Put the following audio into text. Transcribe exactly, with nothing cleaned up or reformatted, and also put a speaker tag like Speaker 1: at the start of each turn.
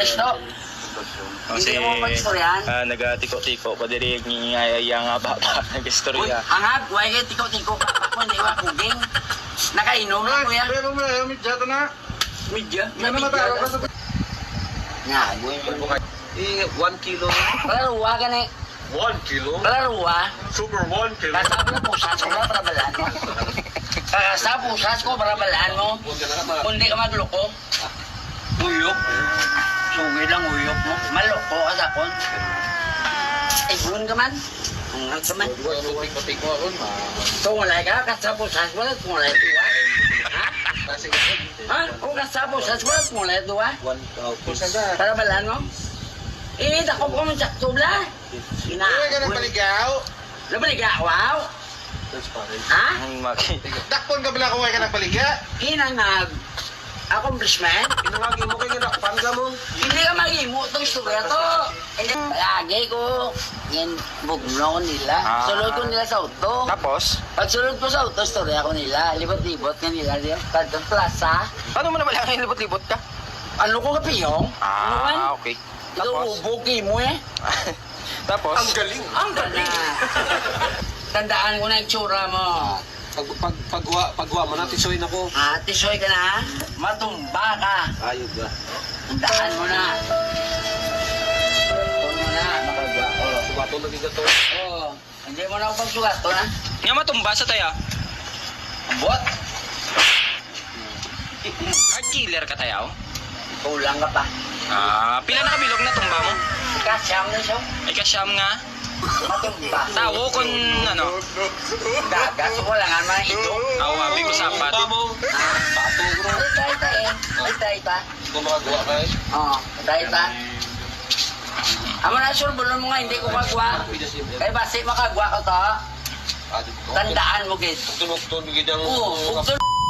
Speaker 1: English to.
Speaker 2: Kasi
Speaker 1: Hindi mo mag-istoryahan.
Speaker 2: uh, nagatiko-tiko pa diri ngingayaya nga baba
Speaker 1: Uy,
Speaker 2: nag-istorya.
Speaker 1: hangag, huwag kayo tiko-tiko. Ako hindi wa kuging. Nakainom na kuya.
Speaker 3: Pero may medya to na.
Speaker 1: Midya.
Speaker 3: May namataro ka sa...
Speaker 1: Nga, buhay mo.
Speaker 3: Eh, one kilo.
Speaker 1: Kalaruwa ka na.
Speaker 3: One kilo?
Speaker 1: Kalaruwa.
Speaker 3: Super one kilo.
Speaker 1: Kasap na pusas ko ba para balaan mo? Kakasa pusas ko para balaan mo. Kundi ka magloko. Uyok. Sugi lang uyok mo. Maloko ka sa kon. Ay, buwan ka man. Ungal ka man. Tungulay ka, kasa pusas mo. Tungulay tuwa. Ha? Ha? Kung kasa pusas mo, tungulay tuwa. Para balaan mo? Eh, dako ko man sakto bla. Ina.
Speaker 3: Uy, ka nang paligaw.
Speaker 1: Nabaliga, wow. Ha?
Speaker 2: Ang maki.
Speaker 3: Dakpon ka pala kung ka nang paliga.
Speaker 1: Inangag. Accomplishment?
Speaker 3: Pinangagi mo kayo na pangga mo.
Speaker 1: Hindi ka mag-imo itong istorya to. Hindi. Lagi ko. Yan, bugno ko nila.
Speaker 2: Ah.
Speaker 1: Sulod ko nila sa auto.
Speaker 2: Tapos,
Speaker 1: Pag sulod ko sa auto, istorya ko nila. Libot-libot nga nila. Kadang plaza.
Speaker 2: paano mo naman lang libot-libot ka?
Speaker 1: Ano ko kapiyong? Ano man?
Speaker 2: Ah, okay.
Speaker 1: Ikaw
Speaker 2: Tapos,
Speaker 1: ubuki mo eh.
Speaker 2: tapos,
Speaker 3: galing.
Speaker 1: Ang ganda. Tandaan ko na yung tsura mo.
Speaker 3: Pag, pag, pagwa, pagwa mo na, tisoy na ko.
Speaker 1: Ah, tisoy ka na. Matumba ka.
Speaker 3: Ayog ba?
Speaker 1: Tandaan mo na. Huwag mo na. Makagwa. Oh.
Speaker 3: Subato na bigat to.
Speaker 1: Oo. Hindi mo na ako pagsugat to na.
Speaker 2: nga matumba sa taya.
Speaker 1: Ambot.
Speaker 2: Hard killer ka tayaw.
Speaker 1: Kulang ka pa.
Speaker 2: Ah, pila na kabilog na tumba mo?
Speaker 1: Kasyam na siya.
Speaker 2: Ay kasyam nga.
Speaker 1: Matumba.
Speaker 2: Tawo kun ano,
Speaker 1: Dagat. So wala nga naman ito.
Speaker 2: awabi ko sapat.
Speaker 3: mo.
Speaker 1: Ah.
Speaker 3: Bato bro.
Speaker 1: Ay, tayo tayo eh. Ay, tayo ta.
Speaker 3: Gumagawa ka eh.
Speaker 1: Oo. Tayo ta. Amo na sure, bulon mo nga, hindi ko magwa. Kaya basi makagwa ko to. Tandaan mo, guys.
Speaker 3: Tunog-tunog ang...
Speaker 1: Oo. Kung